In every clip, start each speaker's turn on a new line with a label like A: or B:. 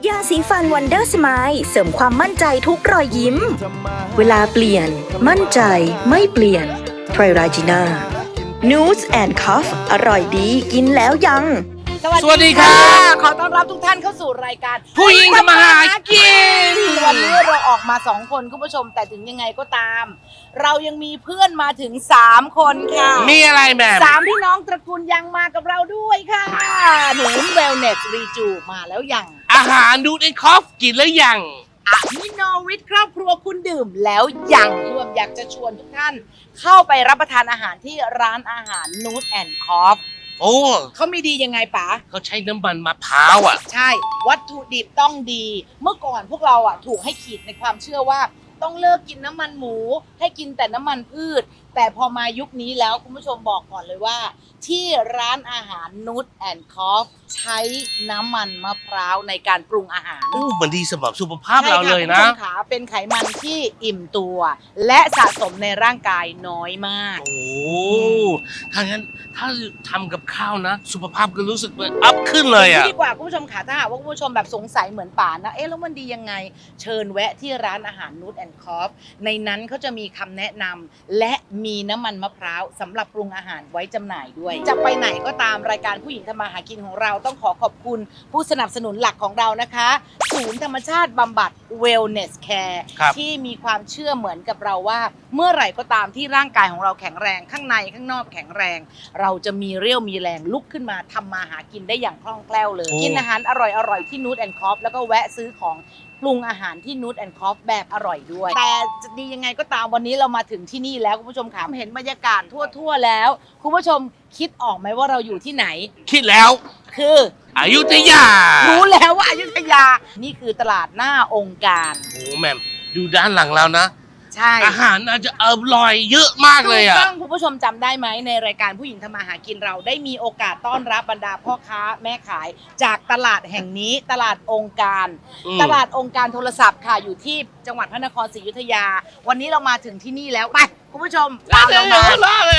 A: ยาสีฟันวันเดอร์สไมล์เสริมความมั่นใจทุกรอยยิ้ม เวลาเปลี่ยนมั่นใจไม่เปลี่ยนไทรราจิน่านูสแอนด์คอฟอร่อยดีกินแล้วยัง
B: สวัสดีค่ะ
C: ขอต้อนรับทุกท่านเข้าสู่รายการ
B: ผู้หญิงทำมาหากิน
C: วันนี้เราออกมา2คนคุณผู้ชมแต่ถึงยังไงก็ตาม เรายังมีเพื่อนมาถึง3คนค่ะ
B: มีอะไรแบบ
C: 3พี่น้องตระกูลยังมากับเราด้วยค่ะหนูเวลเนสรีจูมาแล้วยัง
B: อาหารดูดไอคอฟกินแล้วยัง
C: อะมิโนวิทครอบครัวคุณดื่มแล้วยังรวมอยากจะชวนทุกท่าน เข้าไปรับประทานอาหารที่ร้านอาหารนูตแอนด์คอฟ
B: โอ้
C: เขามีดียังไงป๋า
B: เขาใช้น้ำมันมะพร้าวอ่ะ
C: ใช่ วัตถุดิบต้องดี เมื่อก่อนพวกเราอ่ะถูกให้ขีดในความเชื่อว่า ต้องเลิกกินน้ำมันหมู ให้กินแต่น้ำมันพืช แต่พอมายุคนี้แล้วคุณผู้ชมบอกก่อนเลยว่า ที่ร้านอาหารนูตแอนด์คอฟใช้น้ำมันมะพร้าวในการปรุงอาหาร
B: มันดีสำหรับสุขภาพเราเลยนะ
C: ใช่ค่คุณผู้ชมขาเป็นไขมันที่อิ่มตัว และสะสมในร่างกายน้อยมาก
B: โอ้ถ้างั้นถ้าทำกับข้าวนะ สุขภาพก็รู้สึกว่าอัพขึ้นเลยอ่ะ
C: ดีกว่าคุณผู้ชมค่ะถ้าหากว่าคุณผู้ชมแบบสงสัยเหมือนป่านนะแล้วมันดียังไงเชิญแวะที่ร้านอาหารนูตแอนด์คอฟในนั้นเขาจะมีคำแนะนำและมีน้ำมันมะพร้าวสำหรับปรุงอาหารไว้จำหน่ายด้วย จะไปไหนก็ตามรายการผู้หญิงทำมาหากินของเราต้องขอขอบคุณผู้สนับสนุนหลักของเรานะคะศูนย์ธรรมชาติบำบัด Wellness Care
B: ครับ
C: ที่มีความเชื่อเหมือนกับเราว่า เมื่อไหร่ก็ตามที่ร่างกายของเราแข็งแรงข้างในข้างนอกแข็งแรง เราจะมีเรี่ยวมีแรงลุกขึ้นมาทำมาหากินได้อย่างคล่องแคล่วเลย
B: โอ้
C: กินอาหารอร่อยๆที่นูตแอนด์คอฟแล้วก็แวะซื้อของปรุงอาหารที่นูตแอนด์คอฟแบบอร่อยด้วย แต่จะดียังไงก็ตามวันนี้เรามาถึงที่นี่แล้วคุณผู้ชมค่ะเห็นบรรยากาศทั่วๆแล้ว คุณผู้ชมคิดออกไหมว่าเราอยู่ที่ไหน
B: คิดแล้ว
C: คือ
B: อยุธยา
C: รู้แล้วว่าอยุธยา นี่คือตลาดหน้าองค์การ
B: โอ้แม่มดูด้านหลังเรานะ
C: ใช่
B: อาหารอาจจะอร่อยเยอะมากเลยอ่ะ
C: ถูกต้องคุณผู้ชมจำได้ไหมในรายการผู้หญิงทำมาหากินเราได้มีโอกาสต้อนรับบรรดาพ่อค้าแม่ขาย จากตลาดแห่งนี้ตลาดองค์การ
B: อืม
C: ตลาดองค์การโทรศัพท์ค่ะอยู่ที่จังหวัดพระนครศรีอยุธยา วันนี้เรามาถึงที่นี่แล้วไปคุณผู้ชมตามเรามา
B: ล่าเลย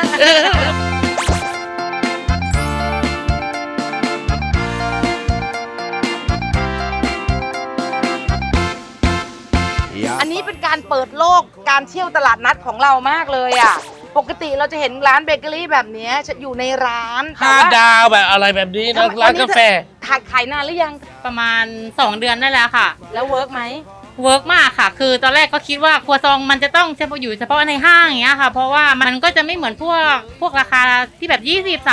C: อันนี้เป็นการเปิดโลกการเที่ยวตลาดนัดของเรามากเลยอ่ะปกติเราจะเห็นร้านเบเกอรี่แบบนี้จะอยู่ในร้านแต่
B: ห้า
C: ว่า
B: ดาวแบบอะไรแบบนี้นะ
C: ทำไม
B: ร้านกาแฟ
C: ขายนานหรือยัง
D: ประมาณ 2 เดือนได้แล้วค่ะ
C: แล้วเวิร์กไหม
D: เวิร์กมากค่ะ คือตอนแรกก็คิดว่าครัวซองมันจะต้องเฉพาะอยู่เฉพาะในห้างอย่างเงี้ยค่ะ เพราะว่ามันก็จะไม่เหมือนพวกราคาที่แบบ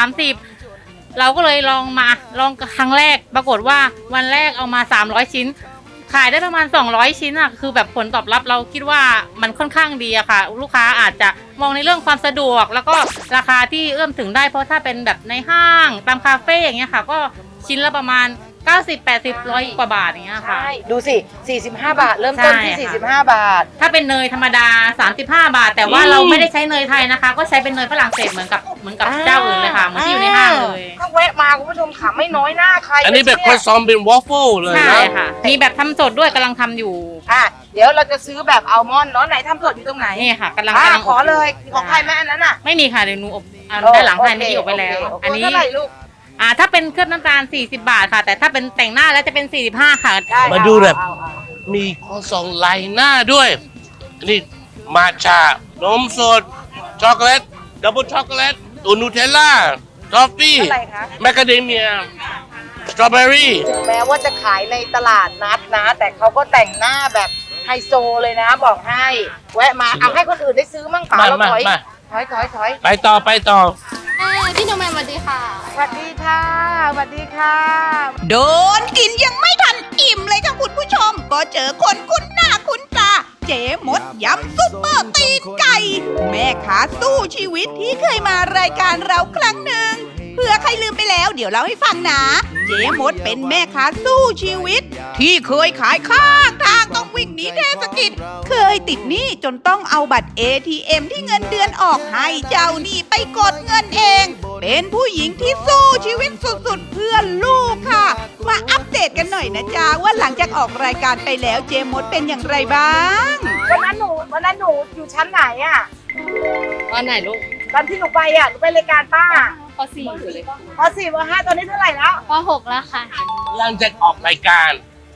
D: 20-30เราก็เลยลองครั้งแรกปรากฏว่าวันแรกเอามา300ชิ้นขายได้ประมาณ200ชิ้นอ่ะคือแบบผลตอบรับเราคิดว่ามันค่อนข้างดีอะค่ะ ลูกค้าอาจจะมองในเรื่องความสะดวก แล้วก็ราคาที่เอื้อมถึงได้เพราะถ้าเป็นแบบในห้างตามคาเฟ่อย่างเงี้ยค่ะ ก็ชิ้นละประมาณ90-80-100กว่าบาทอย่างเงี้ยค่ะ
C: ใช่ ดูสิ 45 บาท เริ่มต้นที่
D: ใช่ค่ะ
C: 45 บาท
D: ถ้าเป็นเนยธรรมดา35 บาท แต่ว่าเราไม่ได้ใช้เนยไทยนะคะ ก็ใช้เป็นเนยฝรั่งเศสเหมือนกับเจ้าอื่นเลยค่ะเหมือนที่อยู่ในห้างเลย
C: ถ้าแวะมาคุณผู้ชมค่ะไม่น้อยหน้าใคร
B: อันนี้แบบครัวซองเป็นวอฟเฟิลเลย
D: ใช่
B: นะ
D: ค่ะ มีแบบทำสดด้วยกำลังทำอยู่
C: อ่ะเดี๋ยวเราจะซื้อแบบอัลมอนด์เนาะไหนทำสดอยู่ตรงไหน
D: นี่ค่ะกำลัง
C: ขอเลยของใครแม่อันนั้นอ่ะ
D: ไม่มีค่ะเดี๋ยวหนูอบด้านหลังให้ไม่ได้อบไปแล้ว
C: โเค
D: อันนี้
C: เท่าไหร่ลูก
D: ถ้าเป็นเคลือบน้ำตาล40 บาทค่ะ แต่ถ้าเป็นแต่งหน้าแล้วจะเป็น45ค่ะ
C: ได้
B: มาดูแบบ
C: เอา
B: มีครัวซองลายหน้าด้วย อันนี้มาชานมสด ช็อกโกแลต ดับเบิลช็อกโกแลตตัวนูเทลล่าทอฟฟี่
C: เท่าไหร่คะ
B: แมคคาเดเมีย สตรอเบอรี่
C: ถึงแม้ว่าจะขายในตลาดนัดนะ แต่เขาก็แต่งหน้าแบบไฮโซเลยนะ บอกให้ แวะมาเอาให้คนอื่นได้ซื้อมั่งเปล่า
B: มา
C: เราถอย
B: มา
C: ถอย
B: ไปต่อ
E: พี่หนูแมนสวัสดีค่ะ
C: สวัสดีค่ะสวัสดีค่ะ
F: โดนกินยังไม่ทันอิ่มเลยค่ะคุณผู้ชม ก็เจอคนคุ้นหน้าคุ้นตา เจ๊มดยำซุปเปอร์ตีนไก่ แม่ค้าสู้ชีวิตที่เคยมารายการเราครั้งหนึ่งเผื่อใครลืมไปแล้วเดี๋ยวเล่าให้ฟังนะ เจ๊มดเป็นแม่ค้าสู้ชีวิต ที่เคยขายข้างทางต้องวิ่งหนีเทศกิจ เคยติดหนี้จนต้องเอาบัตร ATM ที่เงินเดือนออกให้เจ้าหนี้ไปกดเงินเอง เป็นผู้หญิงที่สู้ชีวิตสุดๆเพื่อลูกค่ะ มาอัปเดตกันหน่อยนะจ๊ะว่าหลังจากออกรายการไปแล้วเจมดเป็นอย่างไรบ้าง
C: วันนั้นหนูอยู่ชั้นไหนอ่ะ
D: วันไหนลูก
C: ตอนที่หนูไปอ่ะหนูไปรายการป้า
D: ป .4 อยู่เลย
C: ป .4 ป .5 ตอนนี้เท่าไหร่แล้ว
E: ป .6 แล้วค่ะ
B: หลังจากออกรายการ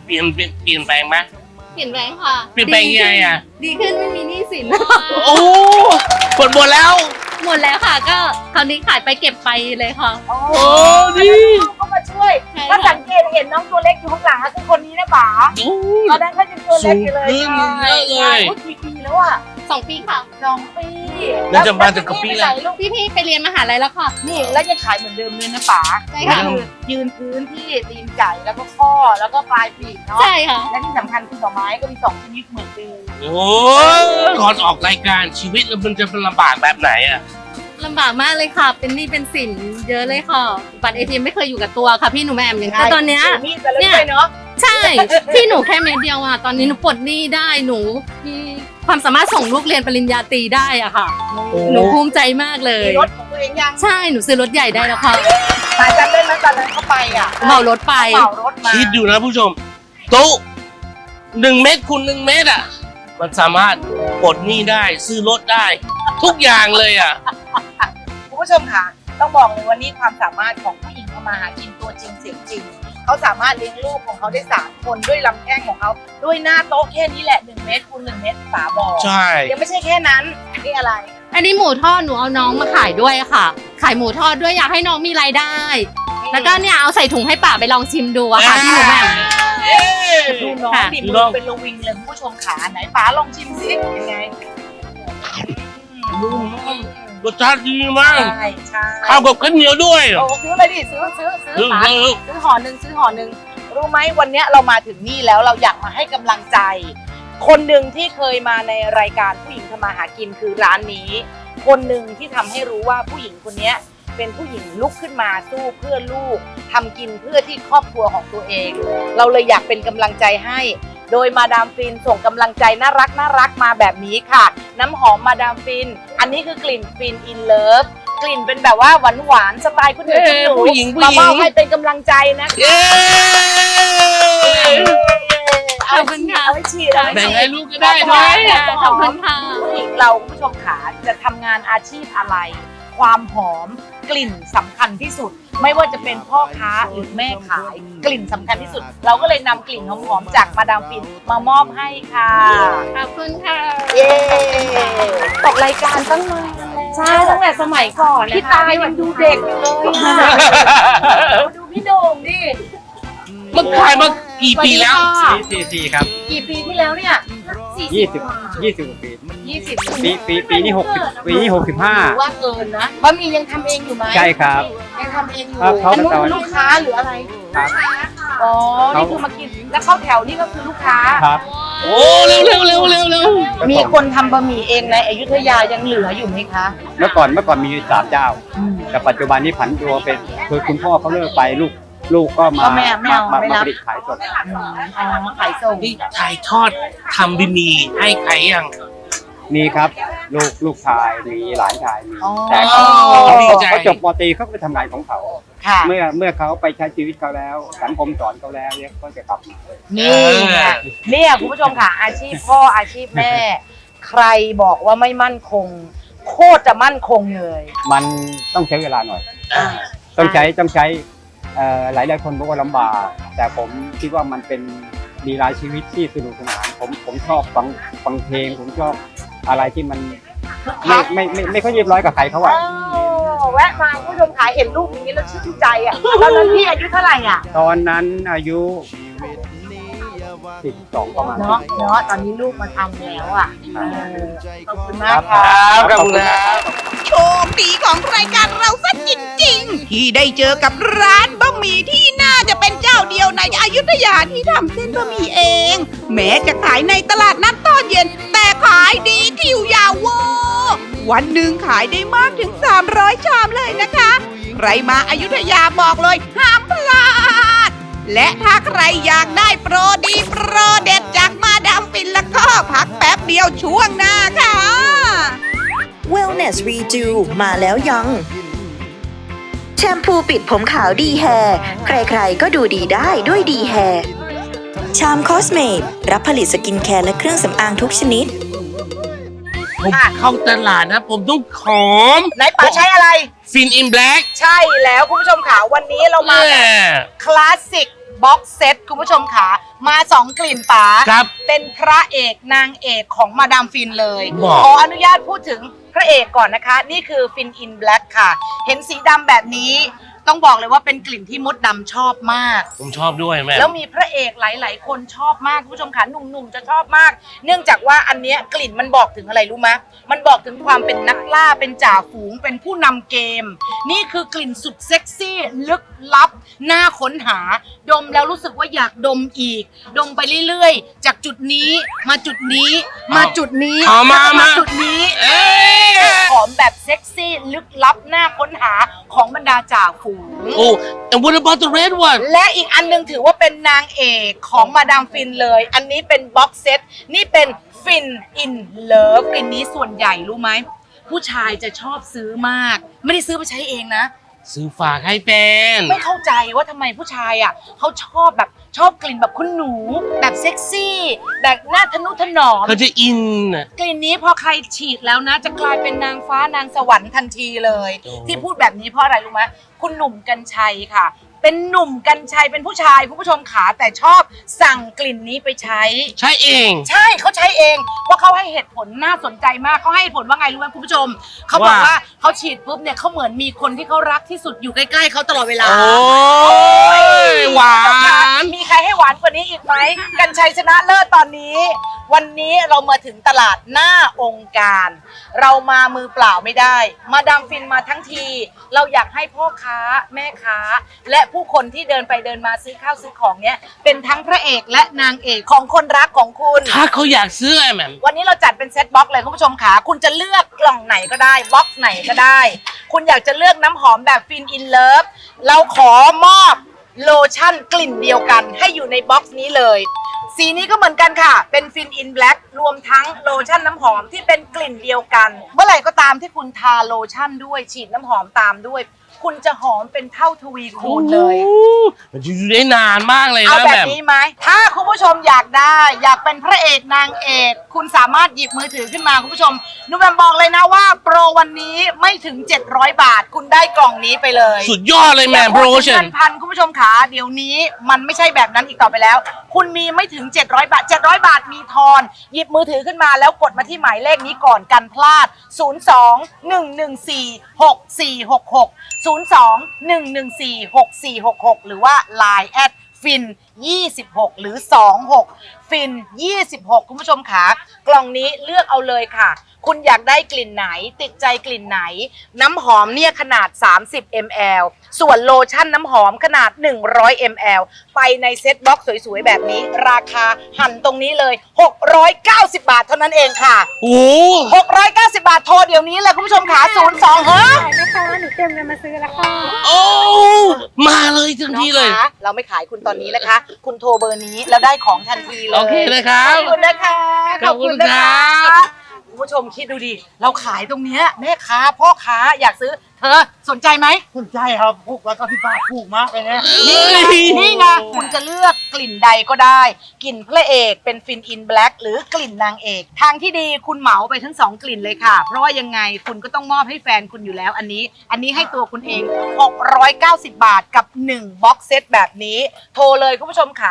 B: เปลี่ยนแปลงไหม
E: เปลี่ยนแปลงค่ะ
B: เปลี่ยนแปลงยังไงอ่ะ
E: ดีขึ้นไม่มีหนี้สิน
B: โอ้หมดแล้ว
E: หมดแล้วค่ะ ก็คราวนี้ขายไปเก็บไปเลยค่ะ
C: โอ้
B: โอ้ดี
C: เขามาช่วย
E: ใช่
C: ถ้า
E: ค่ะ
C: สังเกตเห็นน้องตัวเล็กอยู่ข้างหลังอะคือคนนี้นะป๋า
B: โอ้
C: ตอนนั้นเขายังตัวเล็กอยู่เลย
B: สูงขึ้นเยอะเลย
C: ใช่กี่ปีแล้วอ่ะ
E: 2 ปีค่ะ
C: 2 ปี
B: น่าจะมาถึงกับปีแล้ว
C: แล้วลูก
E: พี่ๆไปเรียนมหาลัยแล้วค่ะ
C: นี่แล้วยังขายเหมือนเดิมเลยนะป๋า
E: ใช่ค่ะ
C: ก็คือยืนพื้นที่ตีนไก่แล้วก็ข้อแล้วก็ปลายปีกเนาะ
E: ใช่ค่ะ
C: และที่สำคัญคือดอกไม้ก็มี2ชนิดเหมือนเดิม
B: โอ้ก่อนออกรายการชีวิตมันจะเป็นลำบากแบบไหนอ่ะ
E: ลำบากมากเลยค่ะ เป็นหนี้เป็นสินเยอะเลยค่ะ บัตร ATM ไม่เคยอยู่กับตัวค่ะพี่หนูแหม่มอย่างแต่ตอนเนี้ย
C: ถืมีดกันแล้วด้วยเนาะ
E: ใช่ ที่หนูแค่เม็ดเดียวอ่ะ ตอนนี้หนูปลดหนี้ได้หนูมีความสามารถส่งลูกเรียนปริญญาตรีได้อ่ะค่ะ หนูภูมิใจมากเลย
C: มีรถของตัวเองยัง
E: ใช่หนูซื้อรถใหญ่ได้แล้วค่ะ
C: ป๋าจำได้ไหมตอนนั้นเขาไปอ่ะ
E: เหมารถไป
C: เหมารถมา
B: คิดดูนะผู้ชมโต๊ะ1 เมตรคูณ1 เมตรอ่ะ มันสามารถปลดหนี้ได้ซื้อรถได้ ทุกอย่างเลยอ่ะ
C: คุณผู้ชมค่ะต้องบอกเลยว่านี่ความสามารถของผู้หญิงทำมาหากินตัวจริงเสียงจริงเขาสามารถเลี้ยงลูกของเขาได้3 คนด้วยลำแข้งของเขาด้วยหน้าโต๊ะแค่นี้แหละ1 เมตรคูณ1 เมตรฝาบ่อ
B: ใช่
C: ยังไม่ใช่แค่นั้นอันนี้อะไร
E: อันนี้หมูทอดหนูเอาน้องมาขายด้วยค่ะ ขายหมูทอดด้วยอยากให้น้องมีรายได้ แล้วก็เนี่ยเอาใส่ถุงให้ป่าไปลองชิมดูอะค่ะพี่หนูแหม่ม
B: เอ้ย
C: ดูน้อง
E: ค่ะ
C: ดิ
B: ดู
C: มื
B: น้
C: อ
B: อง
C: เป็นระวิงเลยคุณผู้ชมขาไหนป๋าลองชิมซิยังไง
B: นุ่มรสชาติดีมาก
C: ใช่ใช่
B: ข้าวกับข้าวเหนียวด้วย
C: โอ้ซื้อเลยดิซื้อป๋า ซื้อห่อหนึ่งรู้ไหมวันเนี้ยเรามาถึงนี่แล้วเราอยากมาให้กำลังใจ คนหนึ่งที่เคยมาในรายการผู้หญิงทำมาหากินคือร้านนี้ คนหนึ่งที่ทำให้รู้ว่าผู้หญิงคนเนี้ยเป็นผู้หญิงลุกขึ้นมาสู้เพื่อลูกทำกินเพื่อที่ครอบครัวของตัวเอง เราเลยอยากเป็นกำลังใจให้ โดยมาดามฟินส่งกำลังใจน่ารักมาแบบนี้ค่ะ น้ำหอมมาดามฟิน อันนี้คือกลิ่นฟินอินเลิฟกลิ่นเป็นแบบว่าหวานสไตล์คุณหนูคุณหนู
B: ผู้หญิง
C: มามอบให้เป็นกำลังใจนะ
B: เย้
E: ขอบคุณค่ะ
C: เอาไว้ฉีดเอาไว้
B: แบ่ง
C: ฉี
B: ให้
C: ด
B: ลูกก็ได้ด้วย
E: ขอบคุณค่ะ
C: ผู้หญิงเราคุณผู้ชมขาจะทำงานอาชีพอะไร ความหอมกลิ่นสำคัญที่สุด ไม่ว่าจะเป็นพ่อค้าหรือแม่ขาย กลิ่นสำคัญที่สุด เราก็เลยนำกลิ่นหอมๆจากมาดามฟินมามอบให้ค่ะ
E: ขอบคุณค่ะ
C: เย้ตกรายการตั้งนานใช่ตั้งแต่สมัยก่อนพี่ตายังดูเด็กอยู่เลยดูพี่โด่งดิ
B: มันขายมากี่ปีแล้ว
G: 44ครับ
C: กี่ปีที่แล้วเนี่ย
G: 20 กว่าปี
C: 20
G: ปีนี้60ปีนี้
C: หรือ
G: 65
C: ว่าเกินนะบะหมี่ยังทำเองอยู่ไหม
G: ใช่ครับ
C: ยังทำเองอยู่
G: ครับเขา
C: อันนู้น
G: มาต่อ
C: คือลูกค้าหรืออะไร
G: ครับ
C: อ๋อ นี่คือมากิน แล้วเข้าแถวนี่ก็คือลูกค้า
G: ครับ
B: โอ้เร็ว
C: มีคนทำบะหมี่เองในอยุธยายังเหลืออยู่ไหมคะ
G: เมื่อก่อนมี3เจ้า แต่ปัจจุบันนี้ผันตัวเป็นคือคุณพ่อเขาเลิกไปลูกก็มา
C: ก็ไม่เอาไม่รับ
G: ผลิตขายสด
C: อ๋อมาขายส่ง
B: นี่ถ่ายทอดทำบะหมี่ให้ใครยัง
G: มีครับลูกชายมีหลานชายมี
C: อ๋อ
G: แต่เขา
B: ดีใจ
G: เขาจบปตรีเขาก็ไปทำงานของเขา
C: ค่ะ
G: เมื่อเขาไปใช้ชีวิตเขาแล้ว สังคมสอนเขาแล้วเนี่ยก็จะกลับมา
C: นี่ไงเนี่ยคุณผู้ชมค่ะ อาชีพพ่ออาชีพแม่ ใครบอกว่าไม่มั่นคง โคตรจะมั่นคงเลย
G: มันต้องใช้เวลาหน่อย ต้องใช้หลายคนบอกว่าลำบาก แต่ผมคิดว่ามันเป็นมีรายชีวิตที่สนุกสนานผมชอบฟังเพลงผมชอบอะไรที่มันไม่ค่อยเรียบร้อยกับใครเขาอะ
C: แวะมาคุณผู้ชมขายเห็นรูปอย่างนี้แล้วชื่นใจอ่ะตอนนั้นพี่อายุเท่าไหร่อ่ะ
G: ตอนนั้นอายุ12ประมาณ
C: เนาะตอนนี้ลูกมาทำแล้วอ่ะขอบคุณมาก
G: ครั
C: ค่ะ
G: บขอบคุณครับ
F: โชคดีของรายการเราซะจริงๆ ที่ได้เจอกับร้านบะหมี่ที่น่าจะเป็นเจ้าเดียวในอยุธยาที่ทำเส้นบะหมี่เอง แม้จะขายในตลาดนัดตอนเย็น แต่ขายดีคิวยาวเวอร์วันหนึ่งขายได้มากถึง 300 ชามเลยนะคะ ใครมาอยุธยาบอกเลยห้ามพลาด และถ้าใครอยากได้โปรดีโปรเด็ดจากมาดามฟินแล้วก็พักแป๊บเดียวช่วงหน้าค่ะ
A: Wellness Redo มาแล้วยัง แชมพูปิดผมขาวดีแฮร์ใครๆก็ดูดีได้ด้วยดีแฮร์ชามคอสเมดรับผลิตสกินแคร์และเครื่องสำอางทุกชนิด
B: ผมเข้าตลาดนะ ผมต้องหอม
C: ไหนป๋าใช้อะไร
B: ฟินอินแบล็ก
C: ใช่แล้วคุณผู้ชมค่ะวันนี้เรามาแบบคลาสสิกบ็อกเซตคุณผู้ชมขามา 2 กลิ่นป๋า
B: ครับ
C: เป็นพระเอกนางเอกของมาดามฟินเลย
B: บอก
C: ขออนุญาตพูดถึงพระเอกก่อนนะคะ นี่คือฟินอินแบล็กค่ะ เห็นสีดำแบบนี้ต้องบอกเลยว่าเป็นกลิ่นที่มดดำชอบมาก
B: ผมชอบด้วยแม่
C: แล้วมีพระเอกหลาย ๆ คนชอบมากคุณผู้ชมค่ะหนุ่ม ๆ จะชอบมาก เนื่องจากว่าอันเนี้ยกลิ่นมันบอกถึงอะไรรู้ไหมมันบอกถึงความเป็นนักล่าเป็นจ่าฝูงเป็นผู้นำเกม นี่คือกลิ่นสุดเซ็กซี่ลึกลับน่าค้นหา ดมแล้วรู้สึกว่าอยากดมอีก ดมไปเรื่อย ๆ จากจุดนี้มาจุดนี้มาจุดนี้
B: เอามา
C: แล้วก็
B: มา
C: จุดนี้
B: เอ้ย
C: หอมแบบเซ็กซี่ลึกลับน่าค้นหาของบรรดาจ่าฝูง
B: โอ้ and what about the red one
C: และอีกอันหนึงถือว่าเป็นนางเอกของมาดามฟินเลย อันนี้เป็นบ็อกเซต นี่เป็นฟินอินเลิฟกลิ่นนี้ส่วนใหญ่รู้ไหม ผู้ชายจะชอบซื้อมาก ไม่ได้ซื้อไปใช้เองนะ
B: ซื้อฝากให้แฟน
C: ไม่เข้าใจว่าทำไมผู้ชายอ่ะเขาชอบกลิ่นแบบคุณหนู แบบเซ็กซี่ แบบหน้าทะนุถนอม
B: เขาจะอินน่ะ
C: กลิ่นนี้พอใครฉีดแล้วนะ จะกลายเป็นนางฟ้านางสวรรค์ทันทีเลย
B: โอ้
C: ที่พูดแบบนี้เพราะอะไรรู้ไหมคุณหนุ่มกัญชัยค่ะ เป็นหนุ่มกัญชัยเป็นผู้ชายคุณผู้ชมขาแต่ชอบสั่งกลิ่นนี้ไปใช้
B: ใช่เอง
C: ใช่เขาใช้เองว่าเขาให้เหตุผลน่าสนใจมากเขาให้เหตุผลว่าไงรู้ไหมคุณผู้ชมเขาบอกว่าเขาฉีดปุ๊บเนี่ยเขาเหมือนมีคนที่เขารักที่สุดอยู่ใกล้ๆเขาตลอดเวลา
B: โอ้ยหวาน
C: มีใครให้หวานกว่านี้อีกไหมกัญชัยชนะเลิศตอนนี้ วันนี้เรามาถึงตลาดหน้าองค์การ เรามามือเปล่าไม่ได้ มาดามฟินมาทั้งที เราอยากให้พ่อค้าแม่ค้า และผู้คนที่เดินไปเดินมาซื้อข้าวซื้อของเนี่ยเป็นทั้งพระเอกและนางเอกของคนรักของคุณ
B: ถ้าเขาอยากซื้อไอ้แหม่ม
C: วันนี้เราจัดเป็นเซตบ็อกซ์เลยคุณผู้ชมขาคุณจะเลือกกล่องไหนก็ได้บ็อกซ์ไหนก็ได้ คุณอยากจะเลือกน้ำหอมแบบฟินอินเลิฟเราขอมอบโลชั่นกลิ่นเดียวกันให้อยู่ในบ็อกซ์นี้เลย สีนี้ก็เหมือนกันค่ะ เป็นฟินอินแบล็กรวมทั้งโลชั่นน้ำหอมที่เป็นกลิ่นเดียวกัน เมื่อไหร่ก็ตามที่คุณทาโลชั่นด้วยฉีดน้ำหอมตามด้วย คุณจะหอมเป็นเท่าทวีคูณเลย
B: มันจะอยู่ได้นานมากเลย
C: เอา
B: นะ
C: แบ
B: แบบ บ
C: นี้ไหม ถ้าคุณผู้ชมอยากได้ อยากเป็นพระเอกนางเอก คุณสามารถหยิบมือถือขึ้นมาคุณผู้ชมนุ้มแบมบอกเลยนะว่าโปรวันนี้ไม่ถึง 700 บาท คุณได้กล่องนี้ไปเลย
B: สุดยอดเลยแม่โปรโมชั่น
C: พันคุณผู้ชมขาเดี๋ยวนี้มันไม่ใช่แบบนั้นอีกต่อไปแล้ว คุณมีไม่ถึง 700 บาท 700 บาทมีทอน หยิบมือถือขึ้นมาแล้วกดมาที่หมายเลขนี้ก่อนกันพลาด 02-114-6466 02-114-6466 หรือว่า Line แอดฟิน26 หรือ 26 ฟิน26 คุณผู้ชมขากล่องนี้เลือกเอาเลยค่ะ คุณอยากได้กลิ่นไหนติดใจกลิ่นไหน น้ำหอมเนี่ยขนาด30 ml ส่วนโลชั่นน้ำหอมขนาด100 ml ไปในเซ็ตบ็อกซ์สวยๆแบบนี้ ราคาหั่นตรงนี้เลย690 บาทเท่านั้นเองค่ะ
B: โอ้
C: 690 บาทโทรเดี๋ยวนี้เลยคุณผู้ชมขา02เฮ้ย
B: โอ้ มาเลยทัน
C: น้อ
B: ที
C: ง
B: เลย
C: คะเราไม่ขายคุณตอนนี้นะคะ คุณโทรเบอร์นี้แล้วได้ของทันทีเลย
B: โอเคเลยครับ
C: ขอบคุณนะคะ
B: ขอบคุณครับ
C: คุณผู้ชมคิดดูดิ เราขายตรงเนี้ยแม่ค้าพ่อค้าอยากซื้อ เธอสนใจไหม
H: สนใจครับถูกแล้วก็ที่บ้านถูกมากเลยนะ
C: นี่ไงคุณจะเลือกกลิ่นใดก็ได้ กลิ่นพระเอกเป็นฟินอินแบล็กหรือกลิ่นนางเอก ทางที่ดีคุณเหมาไปทั้ง2กลิ่นเลยค่ะ เพราะว่ายังไงคุณก็ต้องมอบให้แฟนคุณอยู่แล้วอันนี้ให้ตัวคุณเอง 690 บาทกับ1บ็อกเซตแบบนี้ โทรเลยคุณผู้ชมขา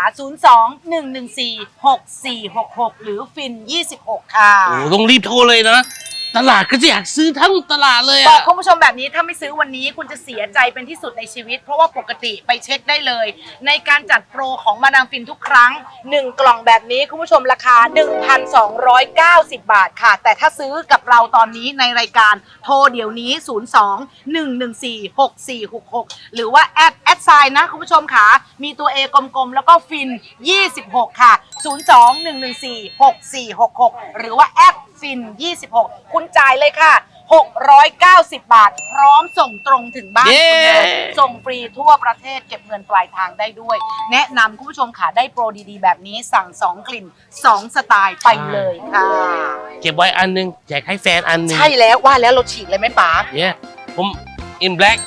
C: 02-114-6466 หรือฟิน26 ค่ะ
B: โอ้ต้องรีบโทรเลยนะ ตลาดก็จะอยากซื้อทั้งตลาดเลย
C: บอ
B: อะ
C: กคุณผู้ชมแบบนี้ถ้าไม่ซื้อวันนี้คุณจะเสียใจเป็นที่สุดในชีวิต เพราะว่าปกติไปเช็คได้เลย ในการจัดโปรของมาดามฟินทุกครั้ง 1 กล่องแบบนี้คุณผู้ชมราคา 1,290 บาทค่ะ แต่ถ้าซื้อกับเราตอนนี้ในรายการโทรเดี๋ยวนี้ 02-114-6466 หรือว่าแอดไซน์นะคุณผู้ชมค่ะมีตัว A กลมๆ แล้วก็ฟิน 26 ค่ะ 02-114-6466 หรือว่าแอดฟิน26 คุณจ่ายเลยค่ะ 690 บาท พร้อมส่งตรงถึงบ้านคุณเลยส่งฟรีทั่วประเทศเก็บเงินปลายทางได้ด้วย แนะนำคุณผู้ชมค่ะได้โปรดีๆ แบบนี้สั่ง 2 กลิ่น 2 สไตล์ไปเลยค่ะ
B: เก็บไว้อันนึงแจกให้แฟนอันนึง
C: ใช่แล้วว่าแล้วเราฉีดเลยไหมป๋า
B: เนี่ยผม in black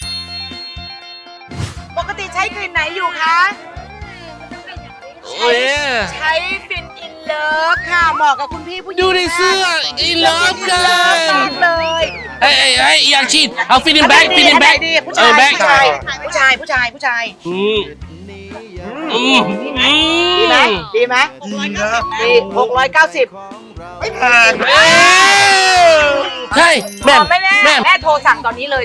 C: ปกติใช้กลิ่นไหนอยู่คะ
B: โอ้ย
C: ใช้ฟินอินเลิฟค่ะเหมาะกับคุณพี่ผู้หญิง
B: ดูในเสื้อ in love กัน
C: มากเลย
B: เฮ้ยอยากฉีดเอา fit in black fit in black
C: ผู้ชาย
B: black
C: ผู้ชาย
B: อืม
C: ดีไหมดีไหมดีไหมดี690ไม่แพง
B: ใช่แม่
C: ไม่แน่แม่โทรสั่งตอนนี้เลย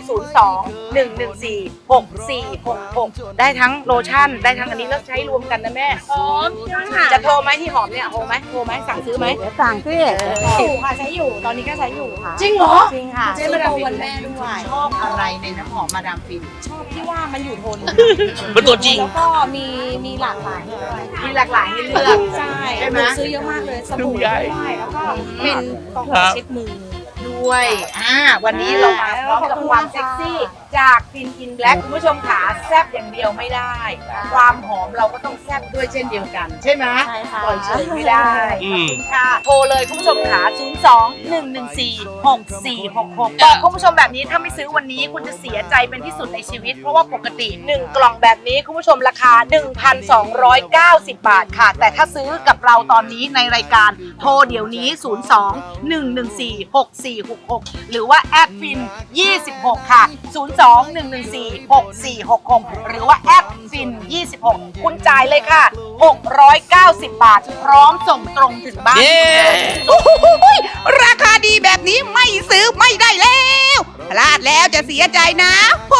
C: 02-114-6466 ได้ทั้งโลชั่นได้ทั้งอันนี้แล้วใช้รวมกันนะแม่หอมจะโทรไหมที่หอมเนี่ยโทรไหมสั่งซื้อไหมเดี๋ยวสั่งซื้ออยู่ค่ะใช้อยู่ตอนนี้ก็ใช้อยู่ค่ะจริงเหรอจริงค่ะใช้มาดามฟินวันแม่ด้วยชอบอะไรในน้ำหอมมาดามฟินชอบที่ว่ามันอยู่ทน
B: เป็นตัวจริง
I: แล้วก็มีหลากหลายด้วย
C: มีหลากหลายให้เลือก
I: ใช่
C: ใช่ไหม
I: หนูซื้อเยอะมากเลยสบู่ด้วยแล้วก็เป็นกล่องเช็ดมือ
C: ด้วยวันนี้เรามาพร้อมกับความเซ็กซี่จากฟินอินแบล็กคุณผู้ชมขาแซบอย่างเดียวไม่ได้ ความหอมเราก็ต้องแซบด้วยเช่นเดียวกัน ใช่ไหม
I: ใช่ค่ะ
C: ปล่อยเฉยไม่ได้ค่ะโทรเลยคุณผู้ชมขา02-114-6466บอกคุณผู้ชมแบบนี้ถ้าไม่ซื้อวันนี้คุณจะเสียใจเป็นที่สุดในชีวิตเพราะว่าปกติ1กล่องแบบนี้คุณผู้ชมราคา 1,290 บาทค่ะแต่ถ้าซื้อกับเราตอนนี้ในรายการโทรเดี๋ยวนี้ 02-114-6466 หรือว่าแอดฟิน26ค่ะ02-114-6466 หรือว่าแอดฟิน26คุณจ่ายเลยค่ะ690 บาทพร้อมส่งตรงถึงบ้าน
B: เย้
F: โอ้โหราคาดีแบบนี้ไม่ซื้อไม่ได้แล้วพลาดแล้วจะเสียใจนะ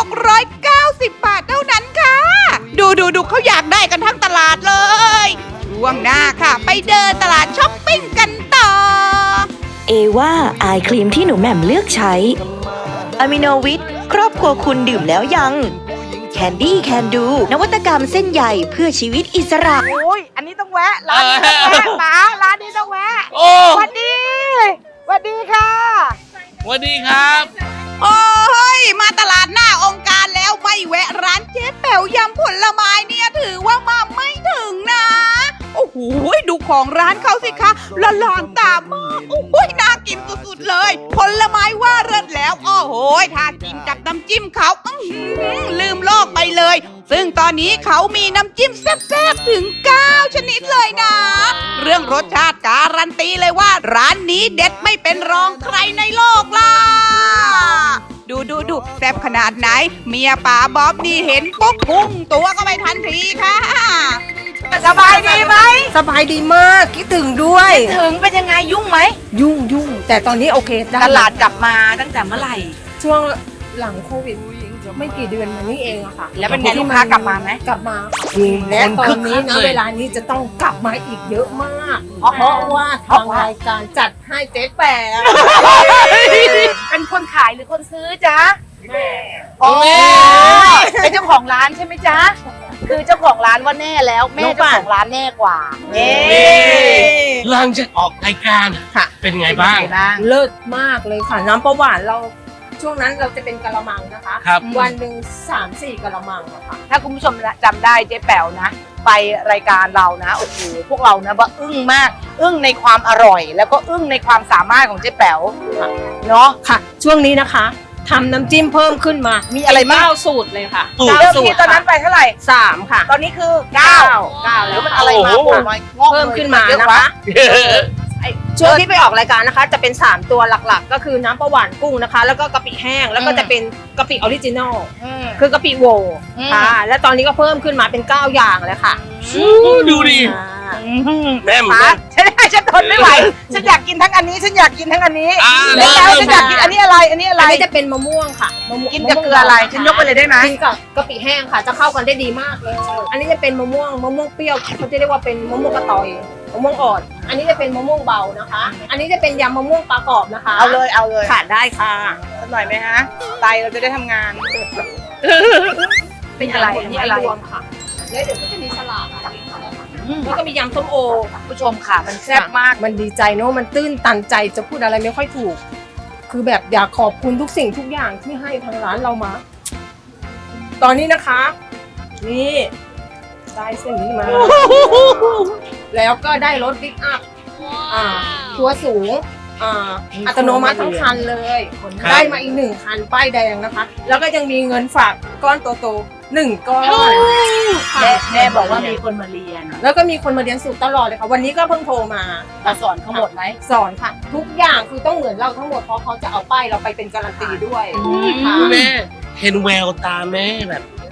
F: 690 บาทเท่านั้นค่ะ ดูเขาอยากได้กันทั้งตลาดเลยช่วงหน้าค่ะ ไปเดินตลาดช้อปปิ้งกันต่อ
A: เอว่าอายครีมที่หนูแหม่มเลือกใช้อะมิโนวิทครอบครัวคุณดื่มแล้วยังแคนดี้แคนดูนวัตกรรมเส้นใหญ่เพื่อชีวิตอิสระ
C: โอ้ยอันนี้ต้องแวะร้านนี้ต้องแวะป๋าร้านนี้ต้องแวะ
B: โอ้
C: สวัสดีค่ะ
B: สวัสดีครับ
F: โอ้ยมาตลาดหน้าองค์การแล้วไม่แวะร้านเจ๊แป๋วยำผลไม้เนี่ยถือว่ามาไม่ถึงนะ โอ้โหดูของร้านเขาสิคะละลานตามากโอ้โหน่ากินสุดๆเลย ผลไม้ว่าเลิศแล้วโอ้โหถ้ากินกับน้ำจิ้มเขาลืมโลกไปเลย ซึ่งตอนนี้เขามีน้ำจิ้มแซ่บๆถึง 9 ชนิดเลยนะ เรื่องรสชาติการันตีเลยว่าร้านนี้เด็ดไม่เป็นรองใครในโลกล่ะ ดูแซ่บขนาดไหน เมียป๋าบ๊อบนี่เห็นปุ๊บพุ่งตัวก็ไม่ทันทีค่ะ
C: สบายดีไหม
J: สบายดีมากคิดถึงด้วย
C: ถึงเป็นยังไงยุ่งไหม
J: ยุ่งแต่ตอนนี้โอเคได้
C: ตลาดกลับมาตั้งแต่เมื่อไหร่
J: ช่วงหลังโควิดไม่กี่เดือนมานี้เองอะค่ะ
C: แล้วเป็นไงลูกค้ากลับมาไหม
J: กลับมาและตอนนี้นะเวลานี้จะต้องกลับมาอีกเยอะมาก เพราะว่าทางรายการจัดให้เจ๊แปะ
C: เป็นคนขายหรือคนซื้อจ๊ะโอ้เป็นเจ้าของร้านใช่ไหมจ๊ะ คือเจ้าของร้านว่าแน่แล้วแม่เจ้าของร้านแน่กว่าเย้
B: หลังจากออกรายการ
J: ค่ะ
B: เป็นไงบ้าง
J: เลิศมากเลยค่ะ น้ำประหวานเราช่วงนั้นเราจะเป็นกะละมังนะคะ
B: ครับ
J: วันหนึ่ง3-4กะละมังอะค่ะ
C: ถ้าคุณผู้ชมจำได้เจ๊แป๋วนะ ไปรายการเรานะโอ้โหพวกเรานะว่าอึ้งมาก อึ้งในความอร่อย แล้วก็อึ้งในความสามารถของเจ๊แป๋วเนาะ
J: ค่ะ ช่วงนี้นะคะทำน้ำจิ้มเพิ่มขึ้นมา
C: มีอะไรบ้าง
J: 9 สูตรเลยค่ะ
C: เริ่มที่ตอนนั้นไปเท่าไหร่
J: 3 ค่ะ
C: ตอนนี้คือ 9
J: แล้ว
C: มันอะไรมา
B: โอ้โห
C: บอกหน่อยงอก
J: เพิ่มขึ้นมา
C: เยอะ
J: นะ
C: ว
J: คะช่วงที่ไปออกรายการนะคะ จะเป็น 3 ตัวหลักๆ ก็คือน้ำปลาหวานกุ้งนะคะ แล้วก็กะปิแห้งแล้วก็จะเป็นกะปิออริจินอล
C: อืม
J: คือกะปิโหวค่ะ และตอนนี้ก็เพิ่มขึ้นมาเป็น 9 อย่างเลยค่ะ
B: ดูดิ แม่หมู
C: ป๋าฉันทนไม่ไหว ฉันอยากกินทั้งอันนี้ ฉันอยากกินทั้งอันนี้
B: แล้
C: แล้วฉันอยากกินอันนี้อะไร อันนี้อะไร
J: อันนี้จะเป็นมะม่วงค่ะมะม่วง
C: กินกับเกลืออะไร ฉันยกไปเลยได้ไหม
J: กินกับกะปิแห้งค่ะ จะเข้ากันได้ดีมากเลย อันนี้จะเป็นมะม่วงเปรี้ยวเขาจะเรียกว่าเป็นมะม่วงกระตอยมะม่วงอ่อน อันนี้จะเป็นมะม่วงเบานะคะ อันนี้จะเป็นยำมะม่วงปลากรอบนะคะ
C: เอาเลยเอาเลย
J: ขาดได้ค่ะ
C: สักหน่อยไหมฮะไตเราจะได้ทำงาน เป็นอะไร
J: ผล
C: อันนี้
J: ไม้
C: อะไร
J: รวมค่ะแล้วเดี๋ยวก็จะมีสลัดแล้วก็มียำส้มโอ
C: ผู้ชมค่ะ มันแซ่บมาก
J: มันดีใจเนอะมันตื้นตันใจจะพูดอะไรไม่ค่อยถูก คือแบบอยากขอบคุณทุกสิ่งทุกอย่างที่ให้ทางร้านเรามา ตอนนี้นะคะ นี่ได้เส้นนี้มา แล้วก็ได้รถบิ๊กอัพตัวสูงอัตโนมัติทั้งคันเลย
B: ครับ
J: ได้มาอีก1 คันป้ายแดงนะคะ แล้วก็ยังมีเงินฝากก้อนโตๆ1 ก้อนค่ะ
C: แม่บอกว่ามีคนมาเรียน
J: แล้วก็มีคนมาเรียนสูตรตลอดเลยค่ะ วันนี้ก็เพิ่งโทรมา
C: มาสอนเขาหมดไหม
J: สอนค่ะ ทุกอย่างคือต้องเหมือนเราทั้งหมดเพราะเขาจะเอาป้ายเราไปเป็นการันตีด้วยค่ะ
B: แม่เห็นแววตาแม่แบบ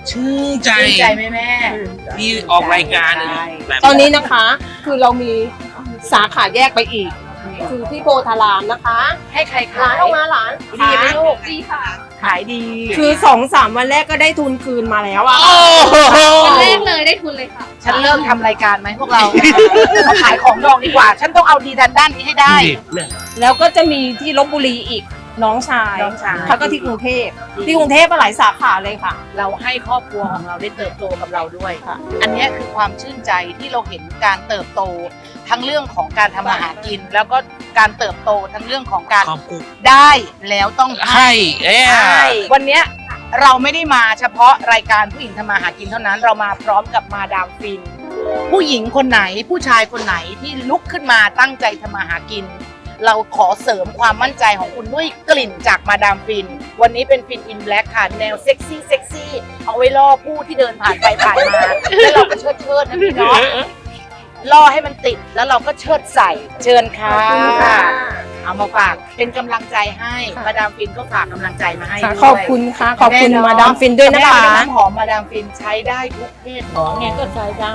B: ชื่นใจ
C: ชื่นใจไหมแม่
B: ที่ออกรายการแบบ
J: ตอนนี้นะคะ คือเรามีสาขาแยกไปอีก คือที่โพธารามนะคะ
C: ให้ใคร
J: หลา
C: ขาน ย
J: ออกมาหลาน
C: ดีไหมลูก
E: ดีค่ะ
C: ขายดี
J: คือ2-3 วันแรกก็ได้ทุนคืนมาแล้วอะ
B: โอ้โห
E: วันแรกเลยได้ทุนเลยค่ะ
C: ฉันเลิกทำรายการไหมพวกเรา มาขายของดองดีกว่า ฉันต้องเอาดีด้านนี้ให้ได้
J: แล้วก็จะมีที่ลบบุรีอีกน้องชาย
C: น้องชาย
J: แล้วก็ที่กรุงเทพที่กรุงเทพหลายสาขาเลยค่ะ
C: เราให้ครอบครัวของเราได้เติบโตกับเราด้วยค่ะ อันเนี้ยคือความชื่นใจที่เราเห็นการเติบโต ทั้งเรื่องของการทำอาหารกิน แล้วก็การเติบโตทั้งเรื่องของการ
B: ขอบคุณ
C: ได้แล้วต้องให้
B: ให้
C: วันเนี้ยเราไม่ได้มาเฉพาะรายการผู้หญิงทำมาหากินเท่านั้น เรามาพร้อมกับมาดามฟิน ผู้หญิงคนไหนผู้ชายคนไหนที่ลุกขึ้นมาตั้งใจทำมาหากิน เราขอเสริมความมั่นใจของคุณด้วยกลิ่นจากมาดามฟิน วันนี้เป็นฟินอินแบล็กค่ะแนวเซ็กซี่เอาไว้ล่อผู้ที่เดินผ่านไปผ่านมาแล้วเราก็เชิดนะพี่เนาะล่อให้มันติดแล้วเราก็เชิดใส่เชิญค่ะ
J: ขอบคุณค่ะ
C: เอามาฝากเป็นกำลังใจให้มาดามฟินก็ฝากกำลังใจมาให้ด้วย
J: ขอบคุณค่ะ ขอบคุณมาดามฟินด้วยนะคะ
C: แม่เอาน้ำหอมมาดามฟินใช้ได้ทุกเพศของไงก็ใช้ได้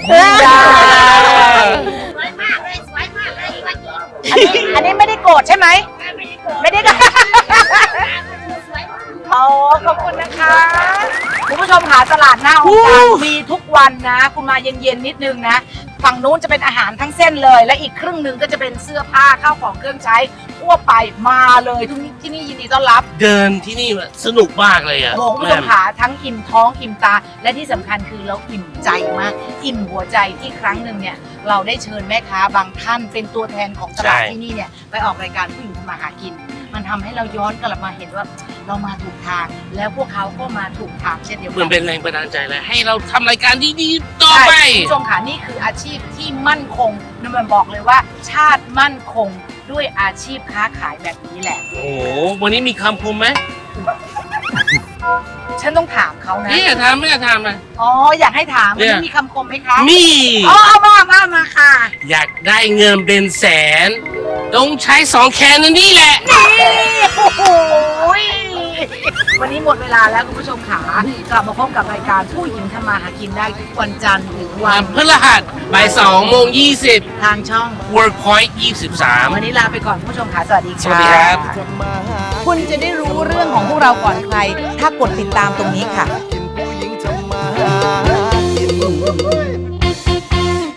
C: อันนี้ไม่ได้โกรธใช่ไหมไม่ได้โกรธอ๋อขอบคุณนะคะคุณผู้ชมหาตลาดหน้าองค์การมีทุกวันนะ คุณมาเย็นๆนิดนึงนะฝั่งนู้นจะเป็นอาหารทั้งเส้นเลย และอีกครึ่งหนึ่งก็จะเป็นเสื้อผ้าข้าวของเครื่องใช้ทั่วไปมาเลยทุกที่นี่ยินดีต้อนรับ
B: เดินที่นี่สนุกมากเลยอ่ะ
C: โอ้โหคุณผู้ชมขาทั้งอิ่มท้องอิ่มตา และที่สำคัญคือเราอิ่มใจมาก อิ่มหัวใจที่ครั้งหนึ่งเนี่ยเราได้เชิญแม่ค้าบางท่านเป็นตัวแทนของตลาดที่นี่เนี่ยไปออกรายการผู้หญิงทำมาหากิน มันทำให้เราย้อนกลับมาเห็นว่าเรามาถูกทาง แล้วพวกเขาก็มาถูกทางเช่นเดียว
B: เหมื
C: กั
B: อนเป็นแรงบันดาลใจเลยให้เราทำรายการดีๆต่อ
C: ใช่
B: ไป
C: คุณผู้ชมค่ะนี่คืออาชีพที่มั่นคงนั่นมันบอกเลยว่า ชาติมั่นคงด้วยอาชีพค้าขายแบบนี้แหละ
B: โอ้โหวันนี้มีคำคมไหม
C: ฉันต้องถามเขานะ
B: นี่อย่าทำไม่อย่าทำนะ
C: อ๋ออยากให้ถาม
B: เนี่
C: วัน
B: ย
C: นี้มีคำคมไหมคะ
B: มี
C: อ๋อเอามาค่ะ
B: อยากได้เงินเป็นแสน ต้องใช้2 แคนนั่นนี่แหละ
C: โอ้โหวันนี้หมดเวลาแล้วคุณผู้ชมขากลับมาพบกับรายการผู้หญิงทำมาหากินได้ทุกวันจันทร์ถึงวั
B: วัน นพฤหัสบ่าย2:20
C: ทางช่อง
B: Workpoint
C: วันนี้ลาไปก่อนคุณผู้ชชมค่ะสวัสดีค่ะ
B: สวัสดีครับ
C: คุณจะได้รู้เรื่องของพวกเราก่อนใคร ถ้ากดติดตามตรงนี้ค่ะ
I: กินผู้หญิงทำมาหากิน